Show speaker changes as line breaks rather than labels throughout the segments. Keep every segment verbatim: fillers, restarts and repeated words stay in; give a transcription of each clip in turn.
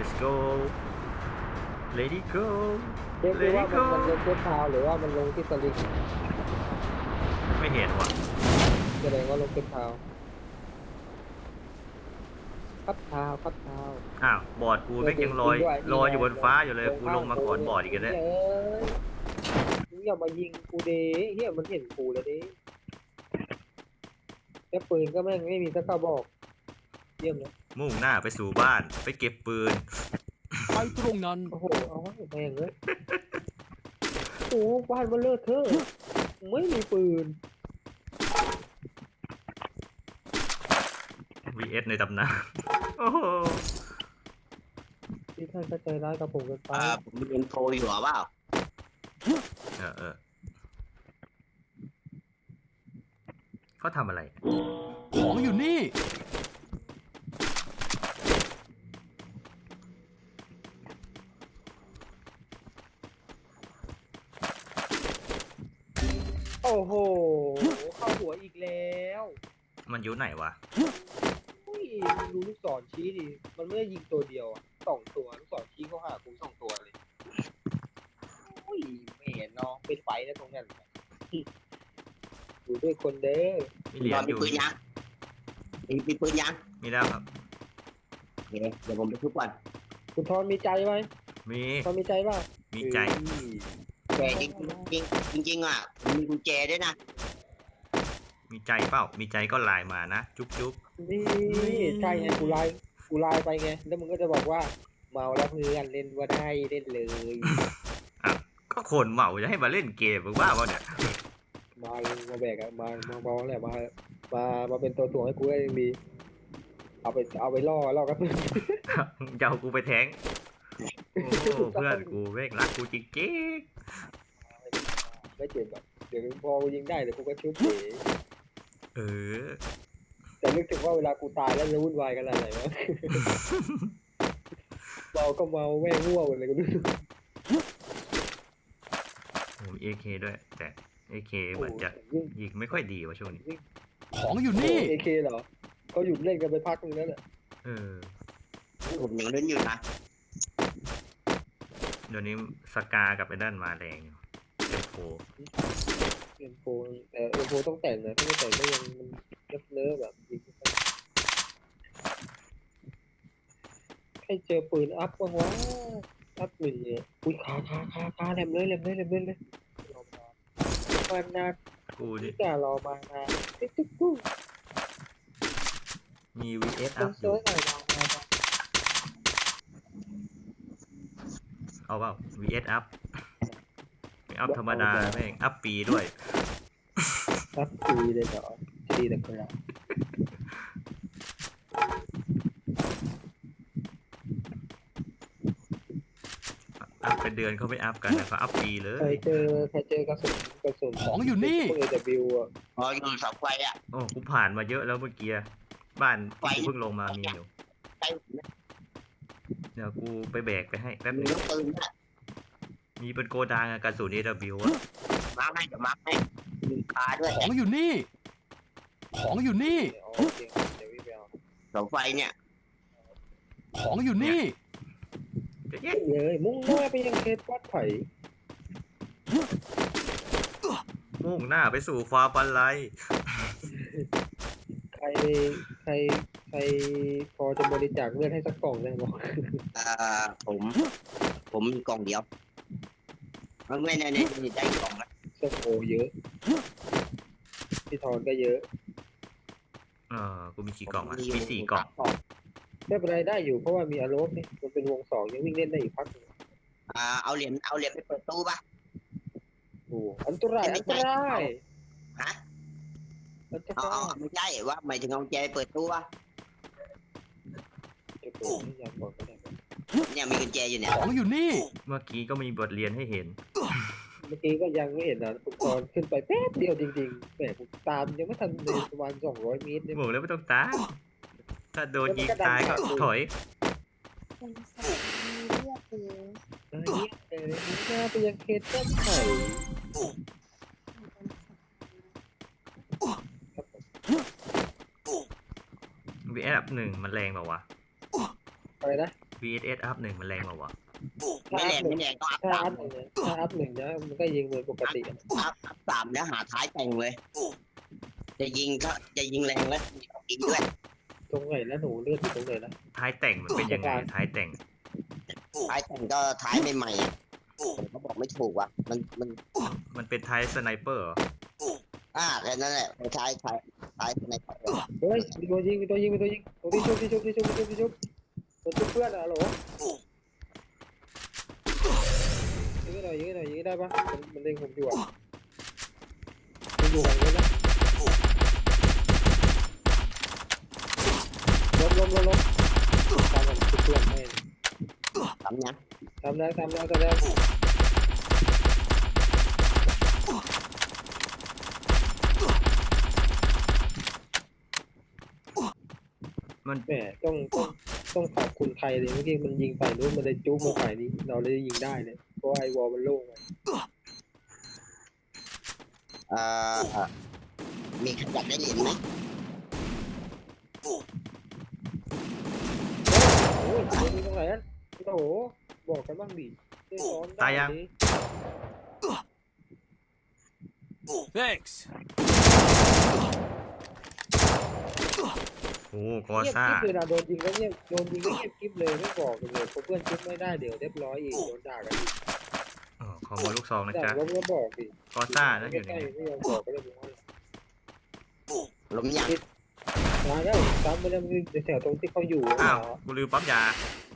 let's go Lady go
เรียกได้ว่ามันมันลงเทปทาวหรือว่ามันลงที่สลิง
ไม่เห็นว่ะ
แสดงว่าลงเทปทาวคับทาวคับทาว
อ้าวบอร์ดกูแม่งยังลอยลอยอยู่บนฟ้าอยู่เลยกูลงมาก่อนบอร์ดอีกแล้ว
มึงอย่ามายิงกูเด้เฮียมันเห็นกูแล้วเด้แค่ปืนก็แม่งไม่มีสักกระบอกเยี่ยมเลย
มุ่งหน้าไปสู่บ้านไปเก็บปืน
ไปตรงนั้น
โอ้โหเอาให้แม่งเลยโอ้บ้านมันเลิศเธอไม่มีปืน
วี เอส ในตำนานโอ้โห
ที่ท่านก็ใจร้ายกับผมกันไป
อ่าผมมีเอ็นโฟอยู่หรอเปล่า
เออเออเขาทำอะไร
ของอยู่นี่
โอ้โหเข้าหัวอีกแล้ว
มันอยู่ไหนวะ
อุ้ยดูลูกศรชี้ดิมันไม่ได้ยิงตัวเดียวอ่ะสองตัวลูกศรชี้เขาหากูสองตัวเลยอุ้ยไม่เห็นเนาะเป็นไฟนะตรงนั้นอยู่ด้วยคนเด้อ
มีเหรียญอยู่
มีปืนยังมีมีปืนยัง
มีแล้วครับ
เดี๋ยวเดี๋ยวผมไปทุบก่อน
คุณทอนมีใจไหม
มี
ทอนมีใจป่ะ
มีใจ
แต่จริงจริงจริงจริงอ่ะมีกุญแจด้วยนะ
มีใจเปล่ามีใจก็ไลน์มานะจุ๊บจุ๊บ
นี่ใช่ไงกูไลน์กูไลน์ไปไงแล้วมึงก็จะบอกว่าเมาแล้วเพื่อนเล่นว่าได้เล่นเลย
อ่ะก็คนเมาจะให้มาเล่นเกมมึงว่าเปล่าเนี่ย
มาเลยมาแบกอะมามาบอลแหละมามามาเป็นตัวถ่วงให้กูได้ยังดีเอาไปเอาไปล่อล่อกับเพื่อน
จะเอากูไปแทงโอ้เพื่อนกูเวกรักกูจริง
ๆไม่เจ็บแบบเดี๋ยวพอกูยิงได้เดี๋ยวกูก็ชุบเฉย
เออ
แต่นึกถึงว่าเวลากูตายแล้วจะวุ่นวายกันอะไรวะเมาก็เมาแม่งง่วงอะไรก็ไม่รู้
โอ้เอเคด้วยแต่เอเคเหมือนจะยิงไม่ค่อยดีว่ะช่วงนี้
ของอยู่นี่
เอเคเหรอเขาหยุดเล่นกันไปพักนึงแล้วแหละ
เออ
ผมยังเล่นอยู่นะ
เดี๋ยวนี้สกากับไอ้ด้านมาแรงเอ็มโฟ
เอ็มโฟแต่เอ็มโฟต้องแต่งนะถ้าไม่แต่งก็ยังมันเลิฟเลิฟแบบให้เจอปืนอัพบ้างวะอัพปืนเนี่ยอุ้ยขาขาขาขาแหลมเลยแหลมเลยแหลมเลยเลยมานาน
กูดิ
จะรอมานานติ๊กติ๊กกู
มี วี เอส อัพอยู่เอาเปล่า วี เอส อัพไม่อัพธรรมดาแม่งอัพปีด้วย
อัพปีเลยเหรอดีแต่ก็แล้ว
อัพเป็นเดือนเขาไม่อัพกันนะเขาอัพปีเลย
ใครเจอใครเจอกระสุนกระสุน
ของอยู่นี่
เอเดบิวอ่ะ
อ๋ออยู่เสาไฟอ่ะ
โอ้กูผ่านมาเยอะแล้วเมื่อกี้บ้านที่กูเพิ่งลงมามีอยู่เดี๋ยวกูไปแบกไปให้แป๊บนึงมีเป็นโกดังกระสุน เอ ดับเบิลยู อ่ะ
มาให้เดี๋ยวมาให้มีคาด้วย
ของอยู่นี่ของอยู่นี่
เสาไฟเนี่ย
ของอยู่นี่
เยอะเลยมุ่งหน้าไปยังเขตวัดไผ่
มุ่งหน้าไปสู่ฟาบันไล
ใครใครใครพอจะบริจาคเลือดให้สักกล่องได้ไหม
อ่าผมผมมีกล่องเดียวไม่ในในในใจกล่องนะ
โอ้โหเยอะพี่ทอนก็เยอะ
เออกูมีกี่กล่องอ่ะมีสี่กล่อง
ไม่เป็นไรได้อยู่เพราะว่ามีอารมณ์นี่มันเป็นวงสองยังวิ่งเล่นได้อีกพักนึง
อ่าเอาเหรียญเอาเหรียญไปเปิดตู้ป่ะ
โอ้อันตรายอันตราย
ฮะอ๋อไม่ใช่ว่าหมายถึงเอาแจเปิดตู้ป่ะเนี่ยมีกุญแจอยู่เนี่ย
ของอยู่นี่
เมื่อกี้ก็มีบทเรียนให้เห็น
เมื่อกี้ก็ยังไม่เห็นนะผมตอนขึ้นไปแป๊บเดียวจริงๆแหมผมตามยังไม่ทันในประมาณสองร้อยเมตรเนี่ย
บอกแล้วไม่ต้องตามถ้าโดนยิงตายก็ถอย
เป็นสัตว์มีเลือดหรือ
เฮ้ยเอ๋ยหน้าไปยังเขตต้นไผ่
วี เอส อัพหนึ่งมันแรงเปล่าวะ
อะไรนะ
วี เอส เอส อัพหนึ่งมันแรงกว่าวะ
ไม่แรงไม่แรงต้องอัพ
ถ้า
สา
อั
ม
พหนึ่งเนี่ยถ้าอัพหนึ่งนะมันก็ยิงเหมือนปกติอะ
อัพอัพสามแล้วหาท้ายแต่งเลย จะยิงก็จะยิงแรงแล้วยิงด้วย
ตรงไหนแล้วหนูเลือดอยู่ตรงไหนนะ
ท้ายแต่งมันเป็นยังไงท้ายแต่ง
ท้ายแต่งก็ท้ายใหม่ๆอ่ะผมก็บอกไม่ถูกว่ะมันมัน
มันเป็นท้ายสไนเปอร์เหรอ
อ่าแค่นั้นแหละท้ายท้ายท้ายใน
เฮ้ยมีตัวยิงมีตัวยิงมีตัวยิงตัวที่ชุบที่ชุบที่ชุบที่ชุบที่ชุบตัวชุบเพื่อนอะโหลยิงให้หน่อยยิงให้หน่อยยิงให้ได้ปะมันมันเล็งผมอยู่อะมันอยู่ฝั่งนู้นนะล้มล้มล้มล้มตามมันชุบเพื่อนให้
ทำยัง
ทำแล้วทำแล้วทำแล้ว
มัน
แหมต้องต้องต้องขอบคุณไทยเลยเมื่อกี้มันยิงฝ่ายนู้นมันเลยจุ๊บมาฝ่ายนี้เราเลยยิงได้เลยเพราะไอ้วอลมันโล่งไง
เอ่อมีขยับได้เหรียญไหม
โอ้ยมันยิงตรงไหนอะโอ้โหบอกกันบ้างดิได้ซ้อนได้ดิ
thanks
โอ้กอ
เงียบ
ซ่า
กิ๊บเลยนะโดนยิงแล้วเงียบโดนยิงก็เงียบกิ๊บเลยไม่บอกกันเลยพอเพื่อนจุ๊บไม่ได้เดี๋ยวเรียบร้อยอีกโดนด่ากันอีก
อ๋อขอมาลูกซองนะ
ด่า
จ๊ะ
ล้มก็บอกดิ
กอซ่านะอยู่
ใก
นี่
ล้ๆไม่ยอมบอกก็เลยบอกว่า
ล้มยัง
มาแล้วซ้ำไปแล้วมันแถวตรงที่เขาอยู่
อ้าวกูลืมปั๊มยา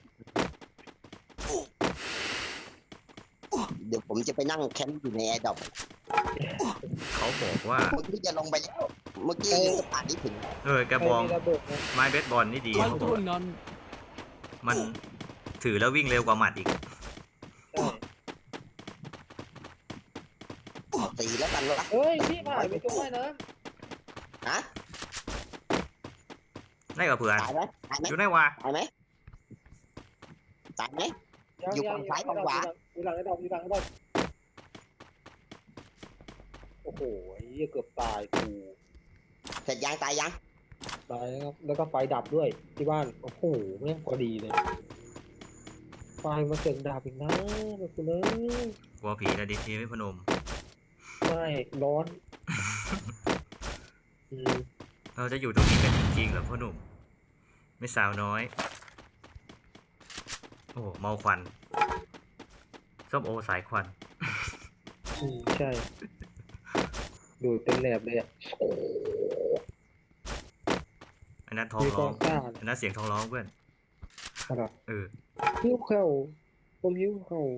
เดี๋ยวผมจะไปนั่งแคมป์อยู่ในแอร์ดรอป
เขาบอกว่า
เมื่อกี้จะลงไปแล้วเมื่อกี้ยังจะผ่านที่ถึง
เออกระบอง
ใคมีระเบิดนะ
ไม้เบสบอลนี่ดี
มัน
เขาบอ
ทุ
ก
นนั้น
มันถือแล้ววิ่งเร็วกว่าหมัดอีก
ใช่
ตีแล้วกันวะ
เฮ้ยพี่ผ่านไปตรงไหนนะ
ฮะ
ได้กับเพื่อน
ตายไหมตายไหม
อยู่ไหนวะ
ตายไหมตายไหม
ยัง
อยู่
ยั
ฝั่
ง
งซ้ายฝั่งขวา
อยู่หลังไอ้ดอกอยู่หลังไอ้ดอกโอ้โหไอ้เหี้ยเกือบตายกู
เสร็จยังตายยัง
ตายแล้วครับแล้วก็ไฟดับด้วยที่บ้านโอ้โหแม่งพอดีเลยไฟมาเกิดดับอีกนะแบบคุณเอ้ย
กลัวผีนะดิทีไม่พนม
ไม่ร้อนอืม
เราจะอยู่ตรงนี้กันจริงๆเหรอพ่อหนุ่ม ไม่สาวน้อย โอ้โหเมาควันส้มโอสายควัน
อืมใช่ดูดเต็มแหลบเลยอ่ะ
อันนั้นท้อง
มีก
ร้
อ
อง
งซ่า
อันนั้นเสียงท้องร้องเพื่อน
อะไร
เออ
หิ้วเข่าผมหิ้วเข่า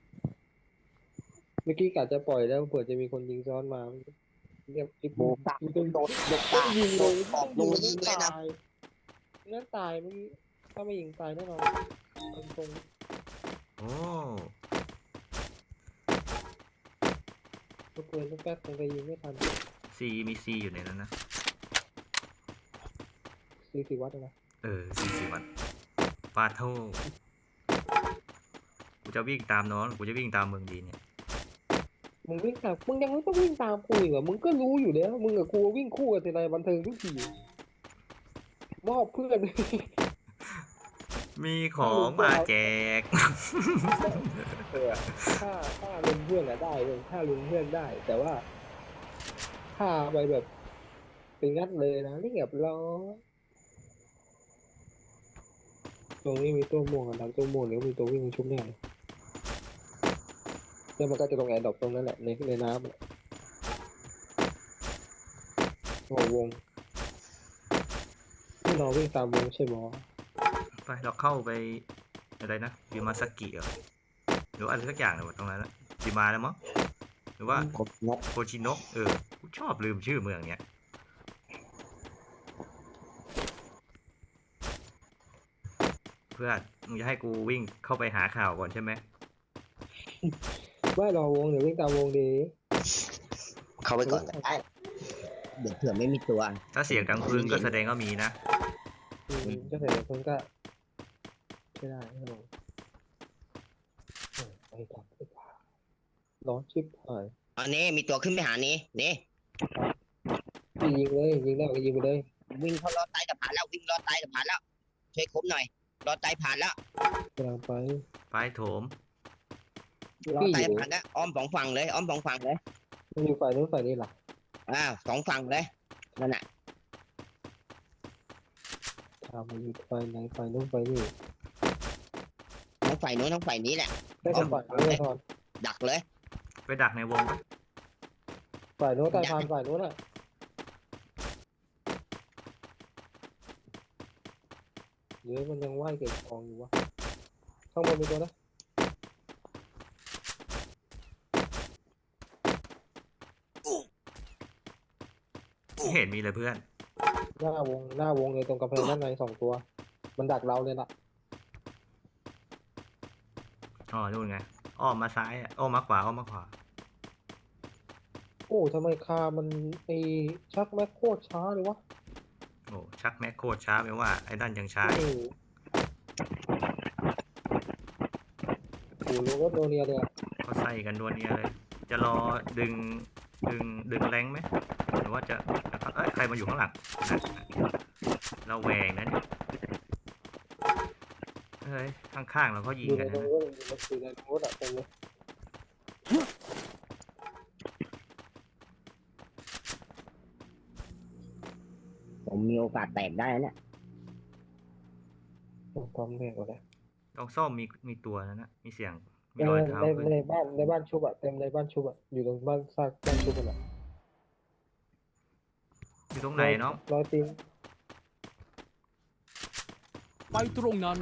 เมื่อกี้กะจะปล่อยแล้วเผื่อจะมีคนยิงซ้อนมาเรียบอิบ
โบกตา
มันต้อง
โดดโดด
ต้อ
ตาง
ยิงเลย
ออกลงยิงเลยนะ
ตายงั้นตายเมื่อกี้ถ้าไม่ยิงตายแน่นอนตรง
โอ้
ๆลูกปืนลูกแป๊บคงจะยิงไม่ทัน
ซีมีซีอยู่ในนั้นนะ
ซีสิวัตนะ
เออซีสิวัตปาโทกูจะวิ่งตามน้องกูจะวิ่งตามเมืองดีเนี่ย
มึงวิ่งตามมึงยังไม่ต้องวิ่งตามกูอีกเหรอมึงก็รู้อยู่แล้วมึงกับกูวิ่งคู่กันทีไรบันเทิงทุกทีมอบเพื่อน
มีของมาแจก
เออถ้าถ้าลุงเพื่อนอะได้เลยถ้าลุงเพื่อนได้ แต่ว่า ถ้าไปแบบเป็นงัดเลยนะเรียบร้อยตรงนี้มีตัวม่วงอะหลังตัวม่วงเดี๋ยวมีตัววิ่งมาชุบแน่เลยแล้วมันก็จะตรงแอร์ดรอปตรงนั้นแหละในในน้ำอะโอ้วงที่เราวิ่งตามวงใช่ไหม
ไปเราเข้าไปอะไรนะยูมาสกิเหรอหรือว่าอะไรสักอย่างเลยตรงนั้นละจิมาแล้วมั้งหรือว่า
กบนก
โคชิโนะเออกูชอบลืมชื่อเมืองเนี้ยเพื่อนมึงจะให้กูวิ่งเข้าไปหาข่าวก่อนใช่ไหม
ไม่รอวงเดี๋ยววิ่งตามวงดี
เข้าไปก่อนก็ได้เดี๋ยวเผื่อไม่มีตัว
ถ้าเสียงดังพื้นก็แสดงว่ามีนะ
อืมก็เสร็จคนก็ใช่ได้ครับผมเออไปก่อนดีกว่าร้อนชิบหาย
อันนี้มีตัวขึ้นไปหานี้นี่
ยิงเลยยิงได้ก็ยิงไปเลย
วิ่งเขาลอดใต้สะพานแล้ววิ่งลอดใต้สะพานแล้วช่วยคบหน่อยรอไตผ่านแล้ว
กำลังไป
ไปโถม
รอ
พี่
ไต
อยู่
ผ่านแล้วอ้อมสองฝั่งเลยอ้อมสองฝั่งเลย
มันอยู่ฝ่ายนู้นฝ่ายนี้ล่ะ
อ้าวสองฝั่งเลยนั่นน่ะ
ทำมันอยู่ฝ่ายไหนฝ่ายนู้นฝ่ายนี้
ทั้งฝ่ายโน้นทั้งฝ่ายนี้แหละ
ได้แต่ฝ่ายนู้นเลยทอน
ดักเลย
ไปดักในวงปะ
ฝ่ายนู้นใต้พานฝ่ายนู้นอ่ะเดี๋ยวมันยังไหวเก็บของอยู่วะข้างบนมีตัวนะ
ไม่เห็นมีเลยเพื่อน
หน้าวงหน้าวงเลยตรงกำแพงด้านในสองตัว มันดักเราเลยล่ะ
อ๋อนู่นไงอ้อมมาซ้ายอะอ้อมมาขวาอ้อมมาขวา
โอ้ทำไมคามันไอชักแม็กโคตรช้าเลยวะ
โอ้ชักแม็กโคตรช้าไปว่าไอ้นั่นยังช้า
โอ้โหโอ้โหรถโดเนียเลยอะ
เขาใส่กันดวเนียเลย จะรอดึงดึงดึงแรงไหมหรือว่าจะเอ้ยใครมาอยู่ข้างหลังนะเราแหวงนะเนี่ยเฮ้ยข้างๆเราเขายิง
อยู่
กั
ใน
น
ตร
นะ
งรถอยู่ในรถอะเต็มเลย
ผมมีโอกาสแตกได้เนี่ย
ต้องพร้อมแน่กว่าเลย
ลองซ่อมมีมีตัวนะนะมีเสียงมี
ใน
รอยเท้า
ใน
ขึ้น
ในบ้านในบ้านชุบอะเต็มในบ้านชุบอะอยู่ตรงบ้านซากบ้านชุบกันอะ
อยู่ตรงไหนเนาะ
ร้อยตีน
ไปตรงนั้น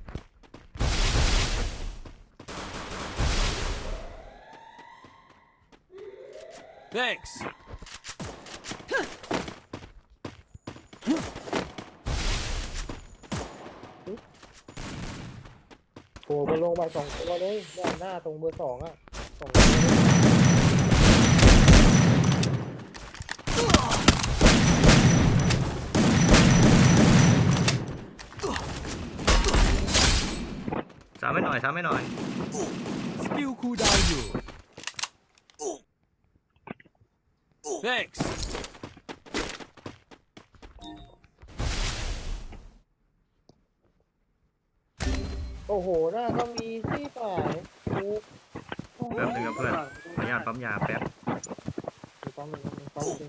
thanks
โผล่มาลงไปสองตัวเลยหน้าหน้าตรงเบอร์สองอะสองตัวเลย
สามไม่หน่อยสามไม่หน่อย
สกิลคูลดาวน์อยู่ thanks
โอ้โหหน้าก็มีที่ฝ่ายโอ้โห
แป๊บนึงครับเพื่อน ขออนุญาตปั๊มยาแป๊บ
มีปั๊มหนึ่งมีปั๊มหนึ่ง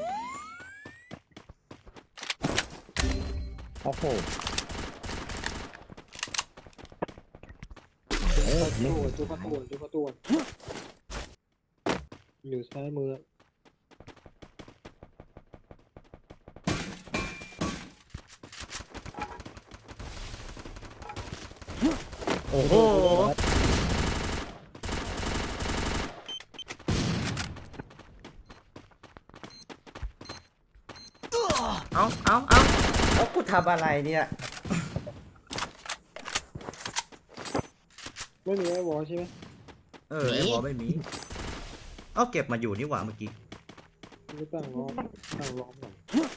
โอ้โห
จุดประตูจุดประตูจุดประตูอยู่ซ้ายมือ
โอ้โหเอาเอาเอาเอากูทำอะไรเนี่ย
ไม่มีไอ้วอลใช่ไหม
เออไอ้บอลไม่มี เอาเก็บมาอยู่นี่หว่าเมื่อกี้
ไม่ตั้งล้อมตั้งล้อมหน่อย